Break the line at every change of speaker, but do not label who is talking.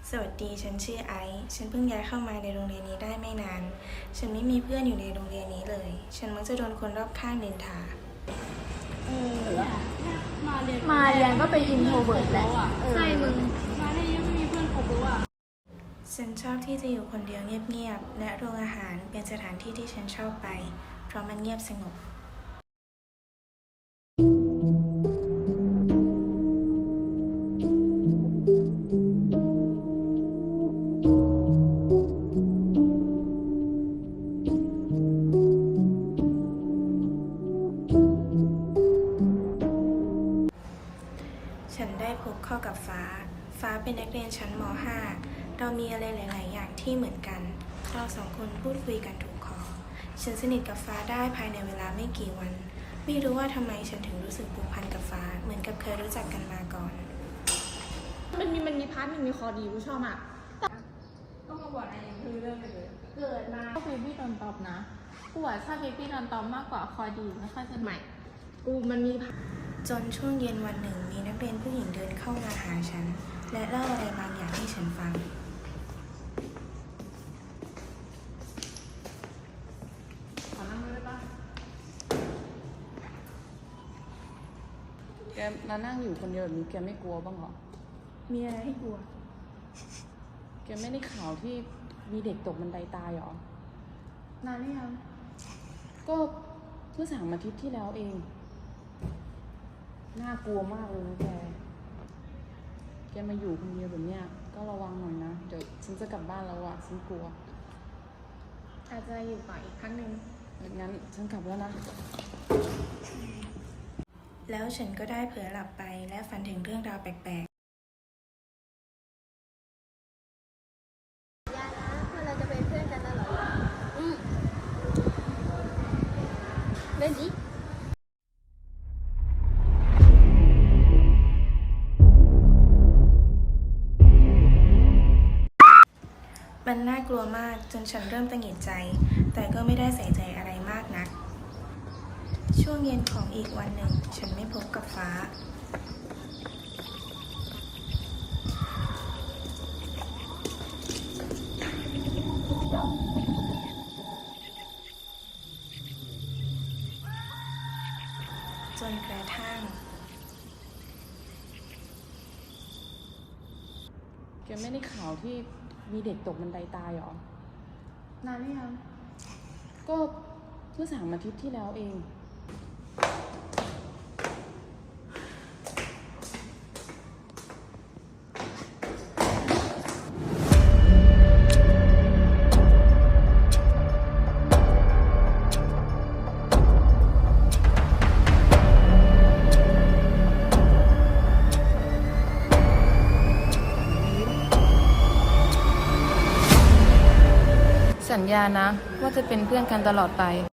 สวัสดี ฉันชื่อไอซ์ฉันเพิ่งย้ายเข้ามาในโรงเรียนนี้ได้ไม่นาน ฉันไม่มีเพื่อนอยู่ในโรงเรียนนี้เลย ฉันมักจะโดนคนรอบข้างนินทา
มาเรียนก็เป็นอินโทรเวิร์ตแหละ
ใช่มึงมาได้ยังไม่มีเพื่อนคบรู้อ่ะ
ฉันชอบที่จะอยู่คนเดียวเงียบๆ และโรงอาหารเป็นสถานที่ที่ฉันชอบไป เพราะมันเงียบสงบ ฉันได้พบเข้ากับฟ้า ฟ้าเป็นนักเรียนชั้นม .5 เรามีอะไรหลาย ๆ อย่างที่เหมือนกัน เราสองคนพูดคุยกันถูกคอ ฉันสนิทกับฟ้าได้ภายในเวลาไม่กี่วัน ไม่รู้ว่าทำไมฉันถึงรู้สึกผูกพันกับฟ้า เหมือนกับเคยรู้จักกันมาก่อน
มันมีพาร์ทหนึ่งมีคอดีกูชอบอ่ะ
ต้องมาบอกอะไรอย่างคือเรื่องเลยเกิดมาก็เบบี้โดนตอบนะกูว่าถ้าเบบี้โดนตอบมากกว่าคอดีไม่ค่อยจะ
ใหม่ กูมันมี
จนช่วงเย็นวันหนึ่งมีนักเรียนผู้หญิงเดินเข้ามาหาฉัน และเล่าอะไรบางอย่างให้ฉันฟัง
ขอนั่งด้วยป่ะ
แกมานั่งอยู่คนเดียวแบบนี้แกไม่กลัวบ้างเหรอ
มีอะไรให้กลัว
แกไม่ได้ข่าวที่มีเด็กตกบันไดตายเหรอ
นานหรือยัง
ก็เมื่อ3 อาทิตย์ที่แล้วเอง น่ากลัวมากเลยนะแก แกมาอยู่คนเดียวแบบเนี้ยก็ระวังหน่อยนะ เดี๋ยวฉันจะกลับบ้านแล้วอะฉันกลัว
อาจจะอยู่ต่ออีกครั้งหนึ่ง
งั้นฉันกลับแล้วนะ
แล้วฉันก็ได้เผลอหลับไปและฝันถึงเรื่องราวแปลก
อย่านะเพื่อนเราจะเป็นเพื่อนกันตลอดเล่นดิ
ๆ มันน่ากลัวมากจนฉันเริ่มตังหงิดใจ แต่ก็ไม่ได้ใส่ใจอะไรมากนัก ช่วงเย็นของอีกวันหนึ่ง ฉันไม่พบกับฟ้า จนกระทั่ง
แกไม่ได้ข่าวที่มีเด็กตกบันไดตายเหรอ
นานหรือยัง
ก็เมื่อ3 อาทิตย์ที่แล้วเอง สัญญานะว่าจะเป็นเพื่อนกันตลอดไป